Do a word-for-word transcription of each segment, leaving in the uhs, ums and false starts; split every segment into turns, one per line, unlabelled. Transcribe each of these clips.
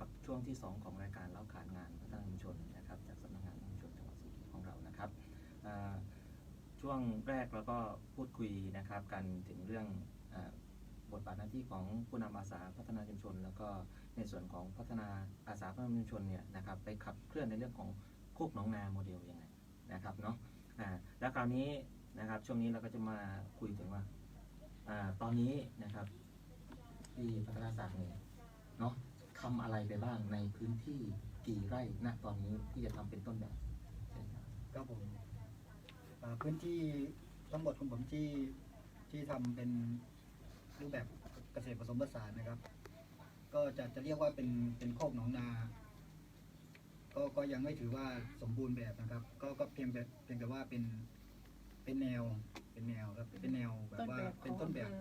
กับช่วงที่สองของรายการเล่าขานงานพัฒนาชุมชนนะครับจากสำนักงานชุมชนจังหวัดสุรินทร์ของเรานะครับช่วงแรกเราก็พูดคุยนะครับกันถึงเรื่องบทบาทหน้าที่ของผู้นำอาสาพัฒนาชุมชนแล้วก็ในส่วนของพัฒนาอาสาพัฒนาชุมชนเนี่ยนะครับไปขับเคลื่อนในเรื่องของโคกหนองนาโมเดลยังไงนะครับเนาะแล้วคราวนี้นะครับช่วงนี้เราก็จะมาคุยถึงว่าตอนนี้นะครับที่พัฒนาศักดิ์เนี่ยเนาะทำอะไรไปบ้างในพื้นที่กี่ไร่ณตอนนี้ที่จะทำเป็นต้นแบบ
ครับผมพื้นที่ทั้งหมดของผมที่ที่ทำเป็นรูปแบบเกษตรผสมผสานนะครับก็จะจะเรียกว่าเป็นเป็นโคกหนองนาก็ก็ยังไม่ถือว่าสมบูรณ์แบบนะครับก็ก็เพียงแต่เพียงแต่ว่าเป็นเป็นแนวเป็นแนวครับเป็นแนวแบบว่าเป็นต้นแบบ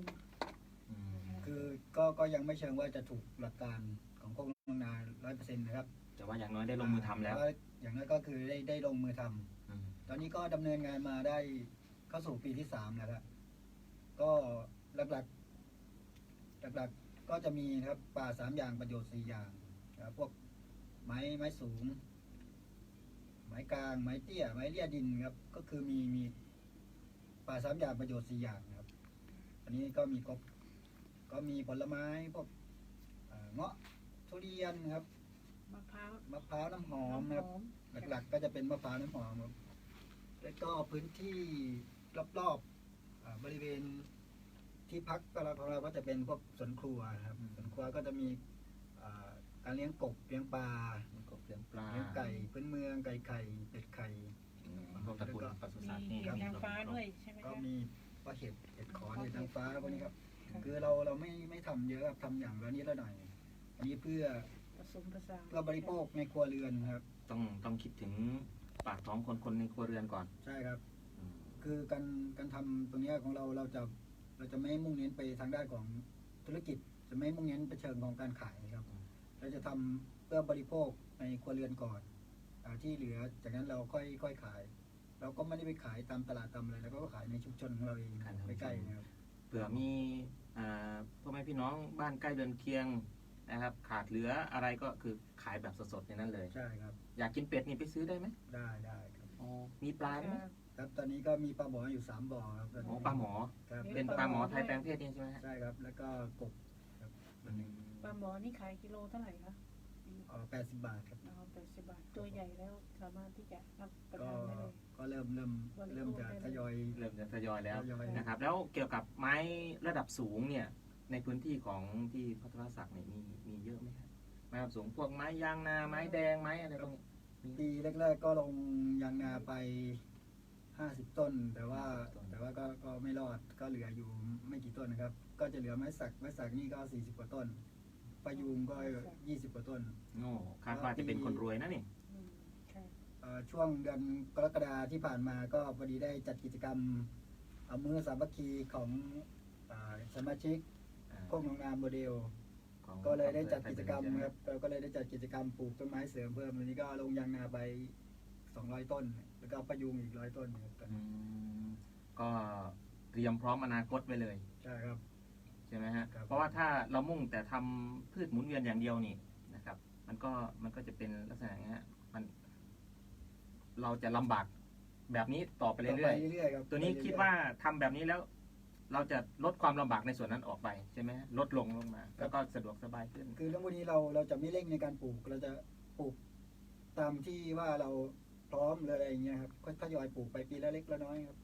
คือก็ก็ยังไม่เชิงว่าจะถูกหลักการของโคกหนองนาร้อยเปอร์เซ็นต์นะครับ
แต่ว่าอย่างน้อยได้ลงมือทำแล้ว
อย่างน้อยก็คือได้ได้ลงมือทำตอนนี้ก็ดำเนินงานมาได้เข้าสู่ปีที่สามแล้วครับก็หลักๆหลักๆก็จะมีครับป่าสามอย่างประโยชน์สี่อย่างครับพวกไม้ไม้สูงไม้กลางไม้เตี้ยไม้เลี่ยดินครับก็คือมีมีป่าสามอย่างประโยชน์สี่อย่างครับอันนี้ก็มีครบก็มีผลไม้พวกเงาะทุเรียนครับ
มะพร้าว
มะพร้าวน้ำหอมครับหลักๆก็จะเป็นมะพร้าวน้ำหอมครับแล้วก็พื้นที่รอบๆบริเวณที่พักของเราก็จะเป็นพวกสวนครัวครับสวนครัวก็จะมีการเลี้ยงกบเลี้ยงปลา
เลี้ยงกบเลี้ยงปลา
เลี้ยงไก่พื้นเมืองไก่ไข่เป็ดไข่
พวกตระกูลปศุสัตว์นี่
มีนางฟ้าด้วยใช่ไหม
ก็มีปลาเห็ดเห็ดขอนเห็ดนางฟ้าพวกนี้ครับคือเราเราไม่ไม่ทำเยอะครับทำอย่างละนิดละหน่อยอันนี้เพื่อ
ผสมผสาน
เพื่อบริโภคในครัวเรือนครับ
ต้องต้องคิดถึงปากท้องคนคนในครัวเรือนก่อน
ใช่ครับคือการการทำตรงนี้ของเราเราจะเราจะไม่มุ่งเน้นไปทางด้านของธุรกิจจะไม่มุ่งเน้นไปเชิงของการขายครับเราจะทำเพื่อบริโภคในครัวเรือนก่อนที่เหลือจากนั้นเราค่อยค่อยขายเราก็ไม่ได้ไปขายตามตลาดตามอะไรแล้วก็ขายในชุมชนของเราเองใกล้ๆนะครับ
เผื่อมีพ่อแม่พี่น้องบ้านใกล้เรือนเคียงนะครับขาดเหลืออะไรก็คือขายแบบสดๆในนั้นเลย
ใช่ครับ
อยากกินเป็ดนี่ไปซื้อได้ไหม
ได้ได้ครับ
อ๋อมีปลาไหม
ครับตอนนี้ก็มีปลาหมออยู่สามบ่อครับ
อ๋อปลาหมอเป็นปลาหมอไทยแปลงเพศนี่ใช่ไหม
ใช่ครับแล้วก็กบครับ
ปลาหมอนี่ขายกิโลเท่าไหร่คะ
อ๋อแปดสิบบาทครับ
อ๋อแปดสิบบาทตัวใหญ่แล้วสามารถที่จะรับประทานได้เลย
ก็เริ่มเริ่มเริ่มจะทยอย
เริ่มจะทยอยแล้วนะครับแล้วเกี่ยวกับไม้ระดับสูงเนี่ยในพื้นที่ของที่พัฒนาศักดิ์เนี่ยมีมีเยอะไหมครับไม้ระดับสูงพวกไม้ยางนาไม้แดงไม้อะไรพวกนี้
ปีแรกๆก็ลงยางนาไปห้าสิบต้นแต่ว่าแต่ว่าก็ก็ไม่รอดก็เหลืออยู่ไม่กี่ต้นนะครับก็จะเหลือไม้สักไม้สักนี่ก็สี่สิบกว่าต้นพะยูงก็ยี่สิบกว่าต้น
โอ้คาดว่าจะเป็นคนรวยนะนี่
ช่วงเดือนกรกฎาที่ผ่านมาก็พอดีได้จัดกิจกรรมเอามือสามัคคีของสมาชิกโคกหนองนาโมเดลก็เลยได้จัดกิจกรรมครับเราก็เลยได้จัดกิจกรรมปลูกต้นไม้เสริมเพิ่มวันนี้ก็ลงยางนาไปสองร้อยต้นแล้วก็พะยูงอีกร้อยต้นครับ
ก็เตรียมพร้อมอนาคตไว้เลย
ใช่ครับ
ใช่ไหมฮะเพราะว่าถ้าเรามุ่งแต่ทำพืชหมุนเวียนอย่างเดียวนี่นะครับมันก็มันก็จะเป็นลักษณะอย่างเงี้ยมันเราจะลำบากแบบนี้ต่อไปเรื่อยๆตัวนี้คิดว่าทำแบบนี้แล้วเราจะลดความลำบากในส่วนนั้นออกไปใช่ไหมลดลงลงมาแล้วก็สะดวกสบายขึ้น
คือเรื่องพวกนี้เราเราจะไม่เร่งในการปลูกเราจะปลูกตามที่ว่าเราพร้อมเลยอะไรอย่างเงี้ยครับก็ทยอยปลูกไปปีละเล็กละน้อยครับ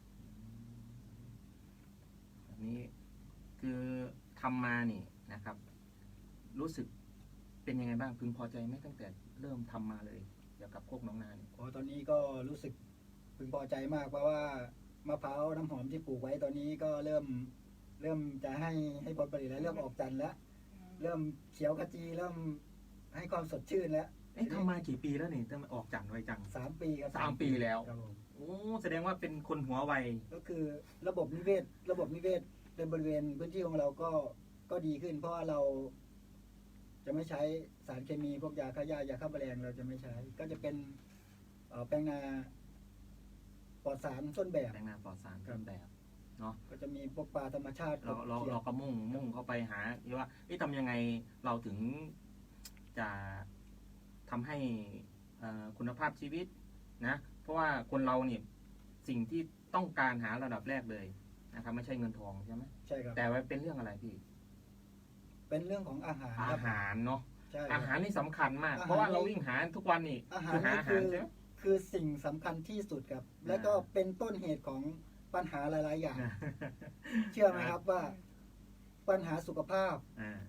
แบบนี้คือทำมานี่นะครับรู้สึกเป็นยังไงบ้างพึงพอใจไหมตั้งแต่เริ่มทำมาเลยเกี่ยวกับโคกหนองนาเนี่ย
อ๋อตอนนี้ก็รู้สึกพึงพอใจมากเพราะว่ามะพร้าวน้ำหอมที่ปลูกไว้ตอนนี้ก็เริ่มเริ่มจะให้ให้ผลผลิตแล้วเริ่มออกจันทร์แล้วเริ่มเขียวขจีเริ่มให้ความสดชื่นแล้ว
เอ๊ะทำมากี่ปีแล้วนี่ตั้งออกจันทร์ไวจัง
สามปีครับ
สามปีแล้วโอ้แสดงว่าเป็นคนหัวไว
ก็คือระบบนิเวศระบบนิเวศในบริเวณพื้นที่ของเราก็ก็ดีขึ้นเพราะเราจะไม่ใช้สารเคมีพวกยาฆ่าหญ้ายาฆ่าแมลงเราจะไม่ใช้ก็จะเป็นแปลงนาปลอดสารต้นแบบ
แปลงนาปลอดสารต้นแบบเนาะ
ก็จะมีพวกปลาธรรมชาติ
เราเราเราก็มุ่งมุ่งเข้าไปหาว่าที่ทำยังไงเราถึงจะทำให้เอ่อคุณภาพชีวิตนะเพราะว่าคนเราเนี่ยสิ่งที่ต้องการหาระดับแรกเลยนะครับไม่ใช่เงินทองใช่ไหม
ใช่ครับ
แต่ว่าเป็นเรื่องอะไรพี่
เป็นเรื่องของอาหารค
อา
รับ
หารเนาะ
ใช่ค
อา
รับ
หารนี่สำคัญมาก
อาหาร
เพราะว่าเราวิ่งหาทุกวันนี่
อาหาร
คือหา
นี่
อาหา
คื
ร
อ
ใช่ไหม
คือสิ่งสำคัญที่สุดครับ และก็
อ่า
เป็นต้นเหตุของปัญหาหลาย ๆ อย่าง เชื่อไหมครับว่าปัญหาสุขภาพ
อ่า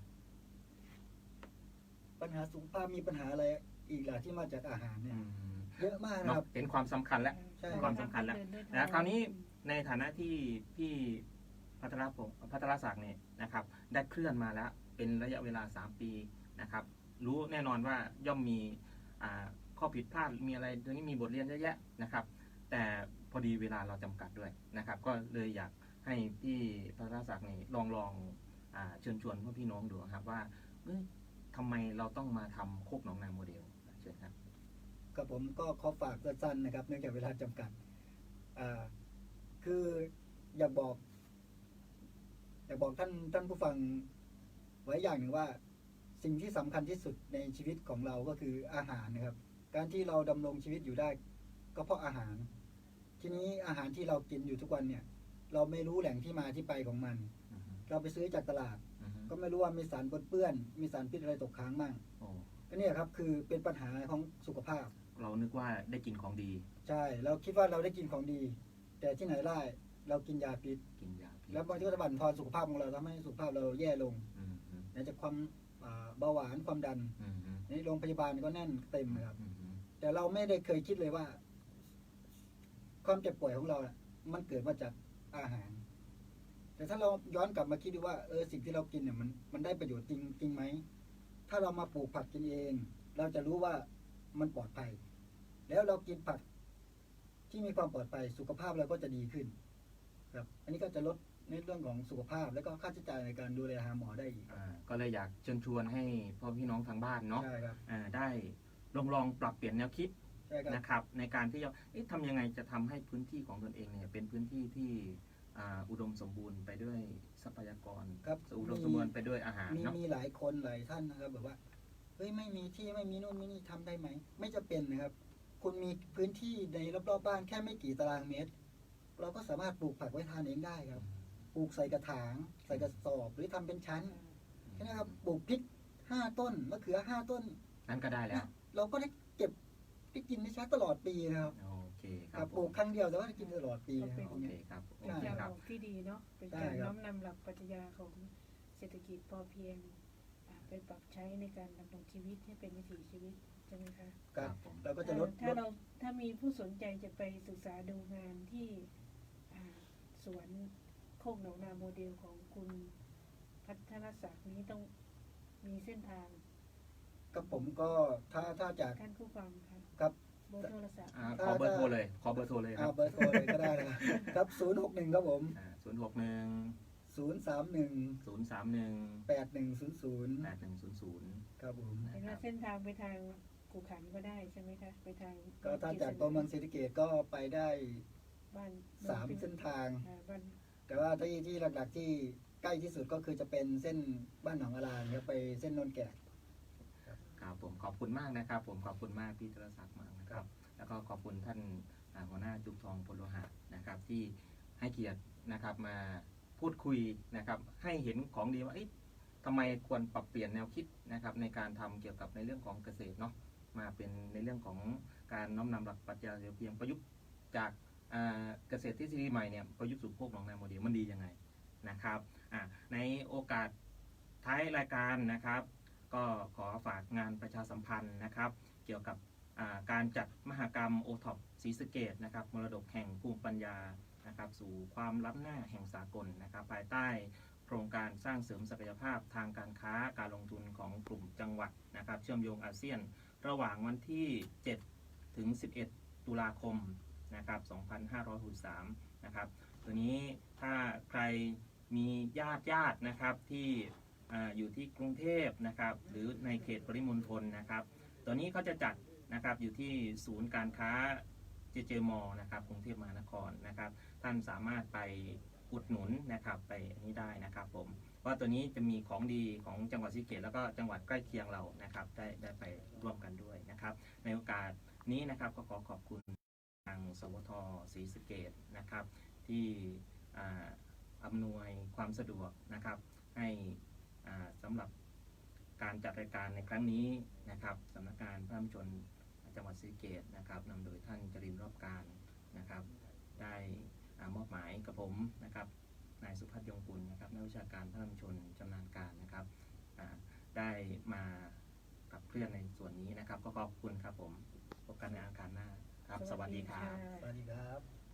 ปัญหาสุขภาพมีปัญหาอะไรอีกล่ะที่มาจากอาหารเนี่
อื
ย
ม
เยอะมากนะ
เนาะ
ครับ
เห็นความสำคัญแล้ว
ใช่
ความสำคัญแล้ว นะคราวนี้ในฐานะที่พี่พัทรพงศ์พัทรศักดิ์เนี่ยนะครับ ได้เคลื่อนมาแล้วเป็นระยะเวลาสามปีนะครับ รู้แน่นอนว่าย่อมมีอ่าข้อผิดพลาดมีอะไรตัวนี้มีบทเรียนเยอะแยะนะครับ แต่พอดีเวลาเราจำกัดด้วยนะครับ ก็เลยอยากให้พี่พัทรศักดิ์นี่ลองลองอ่าเชิญชวนพ่อพี่น้องดูครับว่าเอ้ยทำไมเราต้องมาทำโคกหนองนาโมเดลเชิญครับ
กับผมก็ขอฝากสั้นๆนะครับ เนื่องจากเวลาจำกัดอ่าคืออยากบอก อยากบอกท่านท่านผู้ฟังไว้อย่างหนึ่งว่า สิ่งที่สำคัญที่สุดในชีวิตของเราก็คืออาหารนะครับ การที่เราดำรงชีวิตอยู่ได้ ก็เพราะอาหาร ทีนี้อาหารที่เรากินอยู่ทุกวันเนี่ย เราไม่รู้แหล่งที่มาที่ไปของมัน
อือฮึ
เราไปซื้อจากตลาด
อือฮึ
ก็ไม่รู้ว่ามีสารปนเปื้อน มีสารพิษอะไรตกค้างมั่ง
โอ้
ก็เนี่ยครับคือเป็นปัญหาของสุขภาพ
เรานึกว่าได้กินของดี
ใช่ เราคิดว่าเราได้กินของดี แต่ที่ไหนได้เรากินยาพิษ
กินยาพิษ
แล้วบางทีก็จะบั่นทอนสุขภาพของเราทำให้สุขภาพเราแย่ลง
อืมอืม
ไหนจะความอ่าเบาหวานความดัน
อืมอืม
ในโรงพยาบาลก็แน่นเต็มนะครับ
อืมอืม
แต่เราไม่ได้เคยคิดเลยว่า ความเจ็บป่วยของเราน่ะมันเกิดมาจากอาหาร แต่ถ้าเราย้อนกลับมาคิดดูว่าเออสิ่งที่เรากินเนี่ยมันมันได้ประโยชน์จริงจริงไหมถ้าเรามาปลูกผักกินเอง เราจะรู้ว่ามันปลอดภัย แล้วเรากินผักที่มีความปลอดภัย สุขภาพเราก็จะดีขึ้น ครับ อันนี้ก็จะลดในเรื่องของสุขภาพ แล้วก็ค่าใช้จ่ายในการดูแลหาหมอได้อีก
อ่าก็เลยอยากเชิญชวนให้พ่อพี่น้องทางบ้านเนาะ
ใช่ครับ
อ่าได้ลองลองปรับเปลี่ยนแนวคิด
ใช่ครับ
นะครับ ในการที่จะเอ๊ะทำยังไงจะทำให้พื้นที่ของตนเองเนี่ยเป็นพื้นที่ที่อ่าอุดมสมบูรณ์ไปด้วยทรัพยากร
ครับ
อุดมสมบูรณ์ไปด้วยอาหาร
มี
เนาะ
มีหลายคนหลายท่านนะครับแบบว่าเฮ้ยไม่มีที่ไม่มีนู่นไม่นี่ทำได้ไหมไม่จะเป็นนะครับ คุณมีพื้นที่ในรอบๆบ้านแค่ไม่กี่ตารางเมตร เราก็สามารถปลูกผักไว้ทานเองได้ครับ ปลูกใส่กระถาง ใส่กระสอบหรือทำเป็นชั้นแค่นี้ครับปลูกพริกห้าต้นมะเขือห้าต้น
นั่นก็ได้แล้ว
เราก็ได้เก็บได้กินได้ใช้ตลอดปีนะครับ
โอเคค
ค
รั
รั
บบ
ปลูกครั้งเดียวแต่ว่าได้กินตลอดปีนะครับ
โอเคครับโอ
เป็น
เค
การ
ค
บ
รับ
อกที่ดีเนาะ เป็น
ใช่
การ
ครับ
น้อมนำหลักปรัชญาของเศรษฐกิจพอเพียงอ่าไปปรับใช้ในการดำรงชีวิตให้เป็นวิถีชีวิตใช่ไหมคะ
ครับ
ผม
เราก็จะลด
ถ้า
ล
เรา
ด
ถ้ามีผู้สนใจจะไปศึกษาดูงานที่อ่าสวนโคกหนองนาโมเดลของคุณพัฒนศักดิ์นี้ต้องมีเส้นทาง
กับผมก็ถ้าถ้าจาก
ท่านผู้ฟังค่ะ
ครับ
เบอร์โทรศัพท์
อ่าขอเบอร์โทรเลย ขอเบอร์โทรเลยค
อ่า
รับ
เบอร์โทรเลยก็ได้นะครับ ครับศูนย์หกหนึ่งครับผม
ศูนย์หกหนึ่ง
ศูนย์สามหนึ่ง
ศูนย์สามหนึ่ง
แปดหนึ่งศูนย์ศูนย์
แปดหนึ่งศูนย์ศูนย์
ครับผม
เห็นว่าเส้นทางไปทางกูขันก็ได้ใช่ไหมคะไปทาง
ก็ถ้าจากตัวเมืองศรีสะเกษก็ไปได้
บ้าน
สามเส้นทาง
อ่าบ้าน
แต่ว่าที่ที่หลักๆที่ใกล้ที่สุดก็คือจะเป็นเส้นบ้านหนองอารานครับไปเส้นโนนแก่
ครับผมขอบคุณมากนะครับ ผมขอบคุณมากพี่ธรศักดิ์มากนะครับ แล้วก็ขอบคุณท่านอ่าหัวหน้าจุกทองพลโลหะนะครับ ที่ให้เกียรตินะครับมาพูดคุยนะครับ ให้เห็นของดีว่าเอ๊ะทำไมควรปรับเปลี่ยนแนวคิดนะครับ ในการทำเกี่ยวกับในเรื่องของเกษตรเนาะมาเป็นในเรื่องของการน้อมนำหลักปรัชญาเสรีเพียงประยุกต์จากอ่าเกษตรทฤษฎีใหม่เนี่ยประยุกต์สู่โคกหนองนาโมเดลมันดียังไงนะครับอ่าในโอกาสท้ายรายการนะครับ ก็ขอฝากงานประชาสัมพันธ์นะครับ เกี่ยวกับอ่าการจัดมหกรรมโอท็อปศรีสะเกษนะครับมรดกแห่งภูมิปัญญานะครับ สู่ความล้ำหน้าแห่งสากลนะครับ ภายใต้โครงการสร้างเสริมศักยภาพทางการค้าการลงทุนของกลุ่มจังหวัดนะครับ เชื่อมโยงอาเซียน ระหว่างวันที่ เจ็ด ถึง สิบเอ็ด ตุลาคมนะครับ สองพันห้าร้อยหกสิบสาม นะครับตัวนี้ถ้าใครมีญาติญาตินะครับที่อ่าอยู่ที่กรุงเทพนะครับ หรือในเขตปริมณฑลนะครับ ตัวนี้เขาจะจัดนะครับอยู่ที่ศูนย์การค้าเจเจมอนะครับกรุงเทพมหานครนะครับ ท่านสามารถไปอุดหนุนนะครับไปอันนี้ได้นะครับผมว่าตัวนี้จะมีของดีของจังหวัดศรีสะเกษแล้วก็จังหวัดใกล้เคียงเรานะครับได้ได้ไปร่วมกันด้วยนะครับในโอกาสนี้นะครับก็ขอขอบคุณทางสวทศรีสะเกษนะครับที่อำนวยความสะดวกนะครับให้สำหรับการจัดรายการในครั้งนี้นะครับสำนักงานพระมชนจังหวัดศรีสะเกษนะครับนำโดยท่านจรินทร์รอบการนะครับได้มอบหมายกับผมนะครับนายสุพัฒน์ยงกุลนะครับนักวิชาการพระมชนชำนาญการนะครับได้มากับเคลื่อนในส่วนนี้นะครับก็ขอบคุณครับผมพบกันในอาคารหน้าครับสวัสดีครับ
สวัสดีครับ